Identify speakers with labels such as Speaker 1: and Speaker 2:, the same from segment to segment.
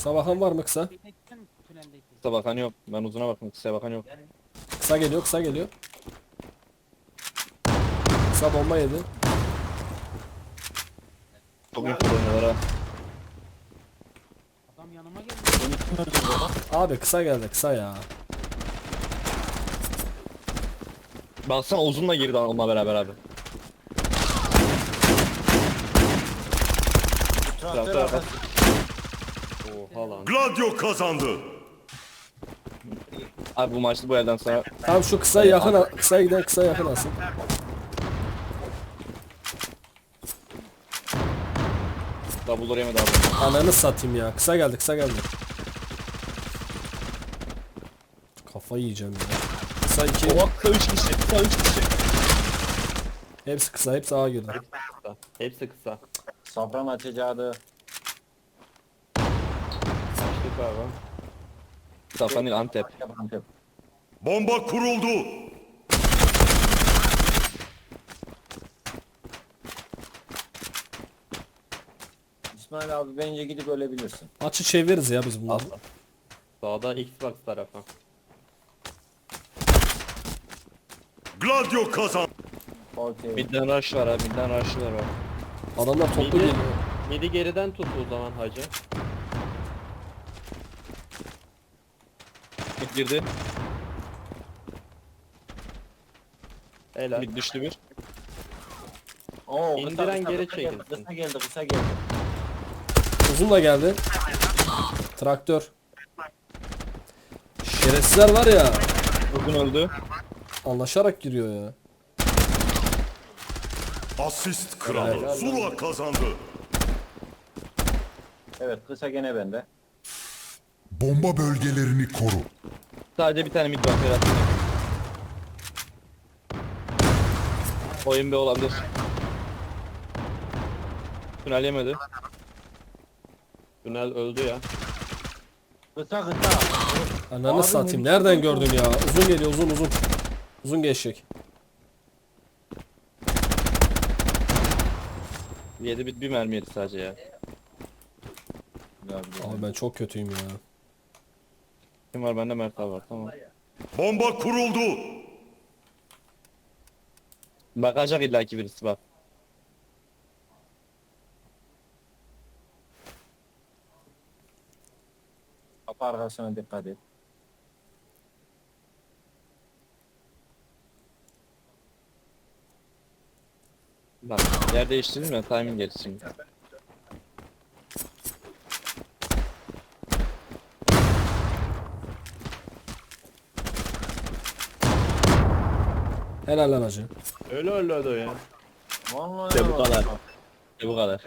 Speaker 1: Kısa bakan var mı kısa?
Speaker 2: Kısa bakan yok. Ben uzuna baktım. Kısaya bakan yok.
Speaker 1: Kısa geliyor, kısa geliyor. Kısa bomba yedi.
Speaker 2: Çok iyi kullanıyorlar ha.
Speaker 3: Adam yanıma geldi.
Speaker 4: Beni kim öldürdü lan?
Speaker 1: Abi kısa geldi, kısa ya.
Speaker 2: Baksana uzunla girdi onunla beraber abi.
Speaker 4: Traktör
Speaker 2: Traktör
Speaker 4: arkası.
Speaker 2: Oha lan.
Speaker 5: Gladio kazandı.
Speaker 2: Abi bu maçta bu elden sonra
Speaker 1: Tamam şu kısa yakın, kısa giden kısa yakın alsın.
Speaker 2: double yemedi abi.
Speaker 1: Ananı satayım ya. Kısa geldi, kısa geldi. Kafayı yiyeceğim ya. Kısa 2.
Speaker 2: Oha kısa 3 kişi. Kısa 3 kişi.
Speaker 1: Hepsi kısa, hepsi ağa girdi.
Speaker 2: Kısa. Hepsi kısa.
Speaker 4: Safran açacağı.
Speaker 2: Açtık abi. Safran değil Antep.
Speaker 4: Antep.
Speaker 5: Bomba kuruldu.
Speaker 4: İsmail abi bence gidip ölebilirsin.
Speaker 1: Maçı çeviririz ya biz bunları.
Speaker 2: Asla. Sağda Xbox tarafı.
Speaker 5: Gladio kazandı.
Speaker 4: Okey.
Speaker 2: Midden rush var abi. Midden rush'lar var.
Speaker 1: Adamlar toplu
Speaker 2: Midi,
Speaker 1: geliyor.
Speaker 2: midi geriden tut o zaman hacı. Mid girdi. Helal. Mid düştü bir.
Speaker 4: Oo,
Speaker 2: İndiren geri
Speaker 4: kısa geldi,
Speaker 2: çekilsin.
Speaker 4: kısa geldi, kısa geldi.
Speaker 1: Uzun da geldi. Traktör. Şerefsizler var ya.
Speaker 2: Uzun öldü.
Speaker 1: Anlaşarak giriyor ya.
Speaker 5: Asist kralı.
Speaker 2: Helal.
Speaker 5: Zula kazandı.
Speaker 4: Evet, kısa gene bende.
Speaker 5: Bomba bölgelerini koru.
Speaker 2: Sadece bir tane mid var Ferhat. Oyun bir olabilir. Tünel yemedi. Tünel öldü ya.
Speaker 4: Kısa kısa.
Speaker 1: Ananı
Speaker 4: Abi,
Speaker 1: satayım.
Speaker 4: ne
Speaker 1: Nereden
Speaker 4: biçim
Speaker 1: gördün ya? Uzun geliyor, uzun uzun. Uzun geçecek.
Speaker 2: Yedi bir mermi yedi sadece ya.
Speaker 1: Abi ben çok kötüyüm ya.
Speaker 2: Kim var bende Mert abi var tamam.
Speaker 5: Bomba kuruldu.
Speaker 2: Bakacak illaki birisi bak.
Speaker 4: Kapı arkasına dikkat et.
Speaker 2: Bak yer değiştirdim ya timing gerisi şimdi.
Speaker 1: Helal lan hacı.
Speaker 2: Öyle ya.
Speaker 4: Vallahi
Speaker 2: İşte bu
Speaker 4: ya.
Speaker 2: kadar. İşte bu kadar.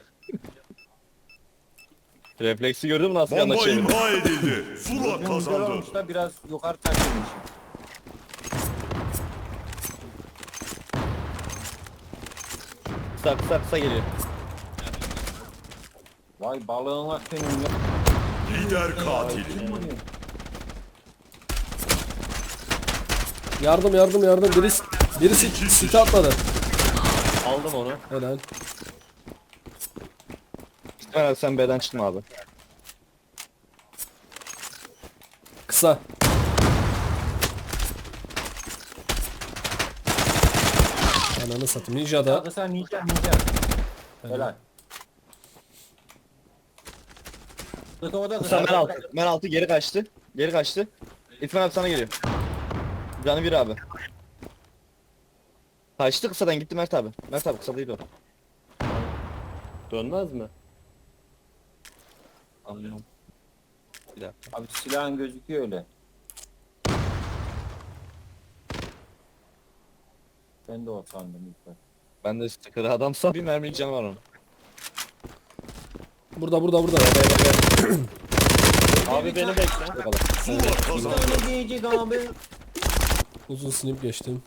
Speaker 2: Refleksi gördün mü nasıl
Speaker 5: Bomba
Speaker 2: yanına çevirdi?
Speaker 5: imha edildi. Zula
Speaker 4: Bugün güzel
Speaker 5: kazandı.
Speaker 4: olmuş da biraz yukarı takılmış.
Speaker 2: Kısa geliyor.
Speaker 4: Vay balığına senin ya.
Speaker 5: Lider katil.
Speaker 1: Yardım yardım yardım. Birisi site atladı.
Speaker 2: Aldım onu.
Speaker 1: Helal.
Speaker 2: Herhalde sen B'den çıkma abi.
Speaker 1: Kısa. Ananı satayım. Ninja'da.
Speaker 4: Kısa ninja. Helal. Kısa o da
Speaker 2: Kısa
Speaker 4: kısa.
Speaker 2: men altı. Men altı geri kaçtı. Geri kaçtı. İtman abi sana geliyor. Canı bir abi. Kaçtı kısadan gitti Mert abi. Mert abi kısa değil o. Dönmez mi? Anlıyorum. Bir dakika.
Speaker 4: Abi silahın gözüküyor öyle. Ben de o sandım ilk başta.
Speaker 2: Ben de sticker adamsa bir mermilik canı var onun.
Speaker 1: Burada.
Speaker 2: Abi beni bekle. O kadar.
Speaker 5: Zula kazandı.
Speaker 4: Ne diyecek abi?
Speaker 1: Uzun snip geçtim.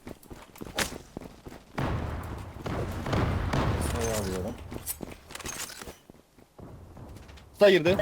Speaker 4: Kısayı alıyorum.
Speaker 2: Kısa girdi.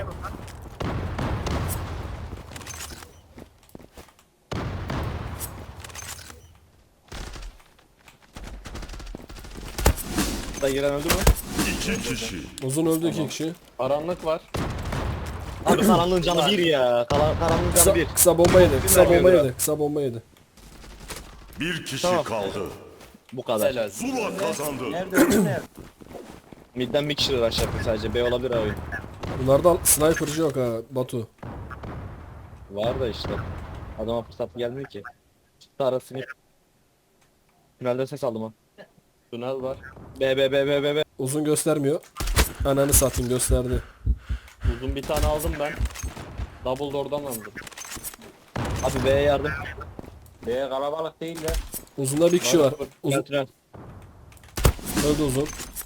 Speaker 2: Kısa giren öldü mü?
Speaker 5: İki kişi.
Speaker 1: Uzun öldü 2 kişi.
Speaker 2: Karanlık var. Abi karanlığın canı bir ya. Karanlığın
Speaker 1: Kısa,
Speaker 2: canı bir.
Speaker 1: kısa bomba yedi. Kısa
Speaker 2: Bilmiyorum
Speaker 1: bomba
Speaker 2: ya.
Speaker 1: yedi. Kısa bomba yedi.
Speaker 5: Bir kişi
Speaker 2: Tamam.
Speaker 5: kaldı.
Speaker 2: Bu kadar.
Speaker 3: Helal.
Speaker 5: Zula kazandı.
Speaker 4: Nerede öldü nerede?
Speaker 2: Midden bir kişi rush yapıyor sadece. B olabilir abi.
Speaker 1: Bunlarda sniper'cı yok ha Batu.
Speaker 2: Var da işte. Adama fırsat gelmiyor ki. Çıktı arasını. Tünelde ses aldım ha.
Speaker 3: Tünel var.
Speaker 2: B.
Speaker 1: Uzun göstermiyor. Ananı satayım gösterdi.
Speaker 3: Uzun bir tane aldım ben. Double door'dan aldım.
Speaker 2: Abi B'ye yardım.
Speaker 4: Be kalabalık değiller.
Speaker 1: Uzunda bir kişi var. Uzun
Speaker 2: Tünel.
Speaker 1: öldü uzun.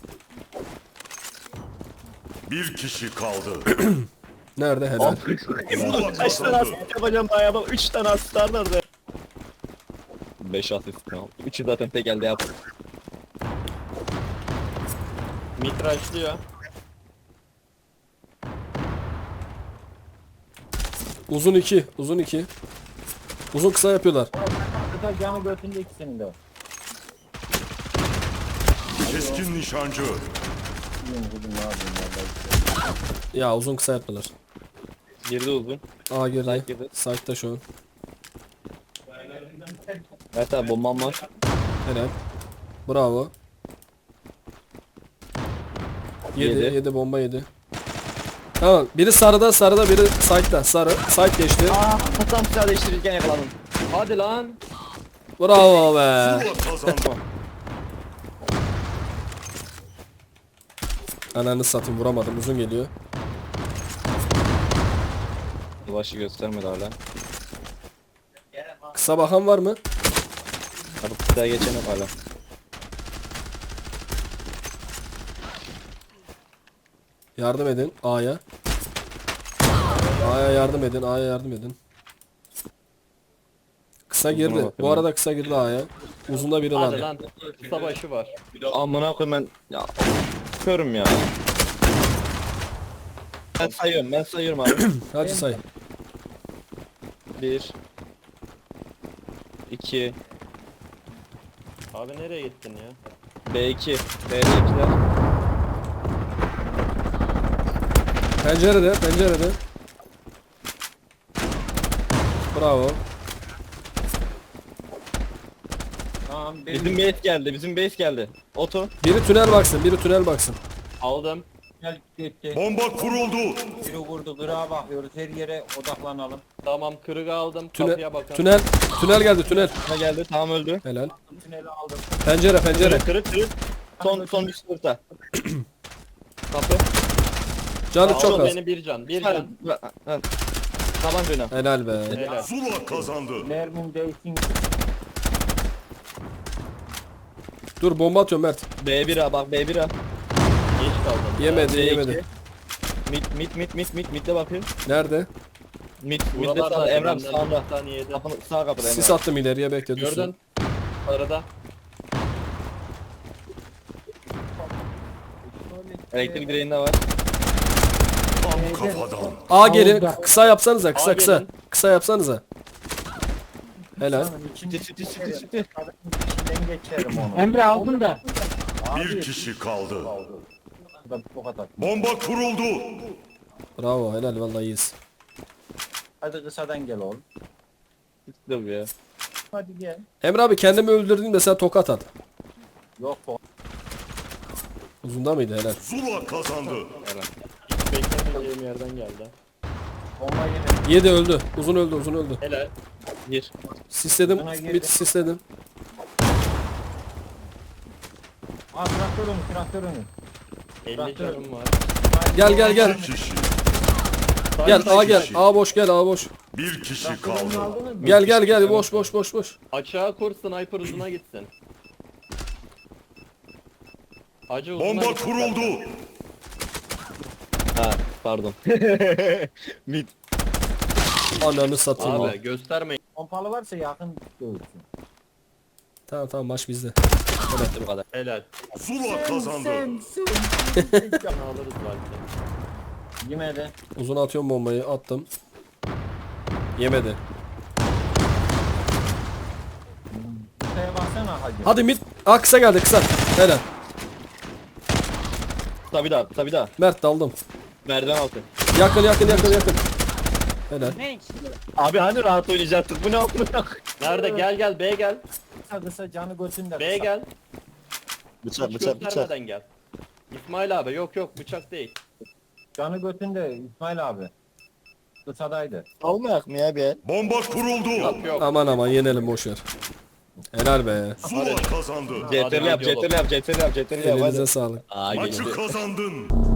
Speaker 5: Bir kişi kaldı.
Speaker 1: Nerede helal.
Speaker 5: Zula
Speaker 2: Kaç tane
Speaker 5: kazandı.
Speaker 2: asist yapacağım daha ya? 3 tane asist var nerede? 5 asist kaldı. 3'ü zaten tek elde yaptı.
Speaker 3: Mitraşlıyor.
Speaker 1: Uzun 2. Uzun 2. Uzun kısa yapıyorlar.
Speaker 4: Kısa camı götünde ikisinin de.
Speaker 5: Keskin nişancı.
Speaker 4: Bilmiyorum bugün ne yapayım vallahi.
Speaker 1: Ya uzun kısa yaptılar.
Speaker 2: Girdi uzun.
Speaker 1: A girdi.
Speaker 2: Side girdi.
Speaker 1: Side'da şu an.
Speaker 2: Evet abi bombam var.
Speaker 1: Helal. Bravo. Yedi.
Speaker 2: Yedi.
Speaker 1: Yedi bomba yedi. Tamam. Biri sarıda biri side'da. Sarı. Side geçti.
Speaker 2: Tam silah değiştirirken yakaladım.
Speaker 3: Hadi lan.
Speaker 1: Bravo be.
Speaker 5: Zula kazandı.
Speaker 1: Ananı satayım vuramadım. Uzun geliyor.
Speaker 2: Başı göstermedi hala.
Speaker 1: Kısa bakan var mı?
Speaker 2: Abi kıtaya geçen yok hala.
Speaker 1: Yardım edin A'ya. A'ya yardım edin. A'ya yardım edin. Kısa girdi.
Speaker 2: bakıyorum.
Speaker 1: Bu arada kısa girdi A'ya. Uzunda biri
Speaker 3: Hadi
Speaker 1: var.
Speaker 3: lan. Kısa başı var.
Speaker 2: Amına koyayım ben. Ya. Körüm ya. Ben sayıyorum abi.
Speaker 1: Hadi say.
Speaker 2: 1 2
Speaker 3: Abi nereye gittin ya?
Speaker 2: B2 B2'ler.
Speaker 1: Pencerede. Bravo.
Speaker 4: Tamam
Speaker 2: Bizim base geldi. Oto.
Speaker 1: Biri tünel baksın.
Speaker 3: Aldım.
Speaker 4: gel gitti.
Speaker 5: Bomba kuruldu.
Speaker 4: Biri vurdu kırağa bakıyoruz her yere odaklanalım.
Speaker 3: Tamam kırığı aldım. Kapıya bakın.
Speaker 1: Tünel geldi tünel.
Speaker 2: Ne geldi? Tamam öldü.
Speaker 1: Helal.
Speaker 4: Tüneli aldım.
Speaker 1: Pencere.
Speaker 2: Kırık. Son bir sınıfta. Kapı.
Speaker 1: Canı
Speaker 3: Aldım
Speaker 1: çok az.
Speaker 3: beni bir can. Bir can.
Speaker 2: Taban dönem.
Speaker 1: Helal be.
Speaker 3: Helal.
Speaker 5: Zula kazandı.
Speaker 4: Mermim değsin.
Speaker 1: Dur bomba atıyorum Mert.
Speaker 2: B1'a bak B1'a.
Speaker 3: Geç kaldım.
Speaker 1: Yemedi.
Speaker 2: Mid'de bakıyor.
Speaker 1: Nerede?
Speaker 2: Mid'de
Speaker 3: Buralarda
Speaker 2: sağda Emre abi
Speaker 3: benden
Speaker 2: sağında.
Speaker 3: bir tane yedi.
Speaker 2: Kapının sağ kapıda Emre
Speaker 1: Sis
Speaker 2: abi.
Speaker 1: attım ileriye bekle dursun.
Speaker 3: Gördün. Arada.
Speaker 2: Elektrik direğinde var.
Speaker 5: Tam kafadan.
Speaker 1: A gelin. Kısa yapsanıza. Kısa
Speaker 3: A
Speaker 1: kısa.
Speaker 3: gelin.
Speaker 1: Kısa yapsanıza. Helal.
Speaker 2: City.
Speaker 4: İçinden geçerim onu.
Speaker 6: Emre aldın da.
Speaker 5: Bir kişi kaldı.
Speaker 4: Ben bu kadar.
Speaker 5: Bomba kuruldu.
Speaker 1: Bravo helal vallahi iyiyiz.
Speaker 4: Hadi kısadan gel oğlum.
Speaker 2: Dur ya.
Speaker 4: Hadi gel.
Speaker 1: Emre abi kendimi öldürdüğümde sen tokat at.
Speaker 4: Yok o.
Speaker 1: Uzunda mıydı helal.
Speaker 5: Zula kazandı.
Speaker 3: Hiç beklemediğim yerden geldi.
Speaker 4: Bomba yine.
Speaker 1: 7 öldü. Uzun öldü.
Speaker 3: Helal.
Speaker 2: Gir.
Speaker 1: Sisledim.
Speaker 4: Uzuna girdi.
Speaker 1: Mid sisledim.
Speaker 4: Aa traktör önü.
Speaker 3: 50
Speaker 4: Traktör.
Speaker 3: canım var.
Speaker 1: Gel.
Speaker 5: Bir kişi.
Speaker 1: Gel A
Speaker 5: Bir
Speaker 1: gel.
Speaker 5: kişi.
Speaker 1: A boş gel A boş.
Speaker 5: Bir kişi kaldı.
Speaker 1: Gel boş.
Speaker 3: Açığa kur sniper uzuna gitsin. Acı uzuna
Speaker 5: Bomba
Speaker 3: gitsin.
Speaker 5: kuruldu.
Speaker 2: Ha pardon. Mid.
Speaker 1: Ananı satayım.
Speaker 3: Abi göstermeyin.
Speaker 4: Pompalı varsa yakın dövülsün.
Speaker 1: Tamam maç bizde.
Speaker 2: Evet bu kadar.
Speaker 3: Helal.
Speaker 5: Zula kazandı.
Speaker 3: Can alırız belki.
Speaker 4: Yemedi.
Speaker 1: Uzun atıyorum bombayı attım. Yemedi.
Speaker 4: Kısaya baksana hacı.
Speaker 1: Hadi mid. A kısa geldi kısa. Helal.
Speaker 2: Tabi daha.
Speaker 1: Mert daldım.
Speaker 2: Merdiven altı.
Speaker 1: Yakın yakın yakın yakın. Helal.
Speaker 2: Abi hani rahat oynayacaktık, bu ne yapıyor?
Speaker 3: Nerede? Gel B gel.
Speaker 4: Kısa canı götünde.
Speaker 3: B gel.
Speaker 2: Bıçak
Speaker 3: Hiç
Speaker 2: bıçak bıçak.
Speaker 3: göstermeden gel. İsmail abi yok bıçak değil.
Speaker 4: Canı götünde İsmail abi. Kısadaydı.
Speaker 2: Almayak mı ya bir?
Speaker 5: Bomba kuruldu.
Speaker 3: Yok.
Speaker 1: Aman aman yenelim boşver. Helal be.
Speaker 5: Zula kazandı.
Speaker 2: CTRL yap, CTRL yap, CTRL yap, CTRL yap.
Speaker 1: Elinize
Speaker 2: Hadi.
Speaker 1: sağlık.
Speaker 2: Aa,
Speaker 5: Maçı
Speaker 2: geçti.
Speaker 5: kazandın.